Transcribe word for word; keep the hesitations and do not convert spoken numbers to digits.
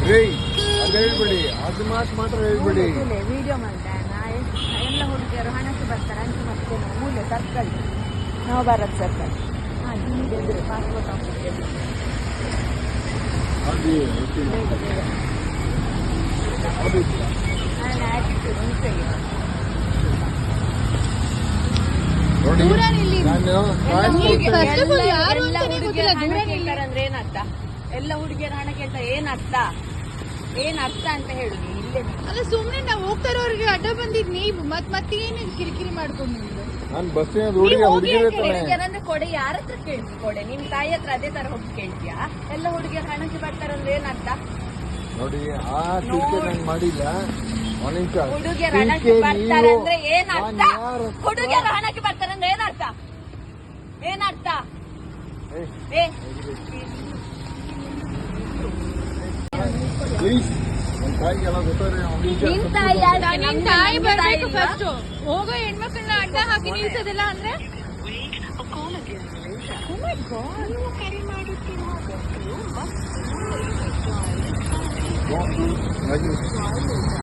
ಅದು ಹೇಳ್ಬಿಡಿ, ಅದು ಮಾತು ಮಾತ್ರ ಹೇಳ್ಬಿಡಿ. ವಿಡಿಯೋ ಮಾಡ್ತಾ ಎಲ್ಲ ಹುಡುಗಿಯರು ಹಣಕ್ಕೆ ಬರ್ತಾರೆ ಅಂತ ಮತ್ತೆ ಮೂಲೆ ಸರ್ಕಲ್ ನಾವು ಬರೋದು ಸರ್ಕಲ್ ಹಾಂ ಜಿಮ್ಮಿಗೆ ಎದುರು ಪಾಸ್ಪೋರ್ಟ್ ಆಫೀಸ್ ಎದುರು ನಾನು ಆ್ಯಕ್ಟಿವ್ ಮುಂಚೆಗೆ ನೋಡಿ ಅಂದ್ರೆ ಏನರ್ಥ? ಎಲ್ಲ ಹುಡುಗಿಯರ ಹಣ ಕೇಳ್ತಾರೆ ಏನರ್ಥ? ಏನ್ ಅರ್ಥ ಅಂತ ಹೇಳುದು ಇಲ್ಲೇ ಅಲ್ಲ ಸುಮ್ನೆ ನಾವು ಹೋಗ್ತಾರವ್ರಿಗೆ ಅಡ್ಡ ಬಂದಿದ್ ನೀವು ಮತ್ ಮತ್ತೆ ಏನು ಕಿರಿಕಿರಿ ಮಾಡ್ಕೊಂಡು ನಾನು ಬಸ್ಸಿನ ಹುಡುಗಿಯರಂದ್ರೆ ಕೊಡೆ ಯಾರ ಹತ್ರ ಕೇಳ್ತಿ? ಕೊಡೆ ನಿಮ್ ತಾಯಿ ಹತ್ರ ಅದೇ ತರ ಹೋಗಿ ಕೇಳ್ತೀಯಾ? ಎಲ್ಲ ಹುಡುಗಿಯರ ಹಣಕ್ಕೆ ಬರ್ತಾರಂದ್ರೆ ಏನರ್ಥ? ನೋಡಿ ಆ ಟೀಕೆ ನಂಗೆ ಮಾಡಿಲ್ಲ. ಹುಡುಗಿಯರ ಹಣಕ್ಕೆ ಬರ್ತಾರಂದ್ರೆ ಏನರ್ಥ? ಹುಡುಗಿಯರ ಹಣಕ್ಕೆ ಬರ್ತಾರಂದ್ರೆ ಏನರ್ಥ? ಏನರ್ಥ? ಏ ಪ್ಲೀಸ್ ನನ್ನ ತಾಯಿಗೆಲ್ಲ ಗೊತ್ತಾದ್ರೆ ನಿಮ್ ತಾಯಿ ಬರ್ಬೇಕು ಫಸ್ಟ್. ಹೋಗೋ ಹೆಣ್ಮಕ್ಳನ್ನ ಅಡ್ಡ ಹಾಕಿ ನಿಲ್ಸೋದಿಲ್ಲ ಅಂದ್ರೆ Don't do like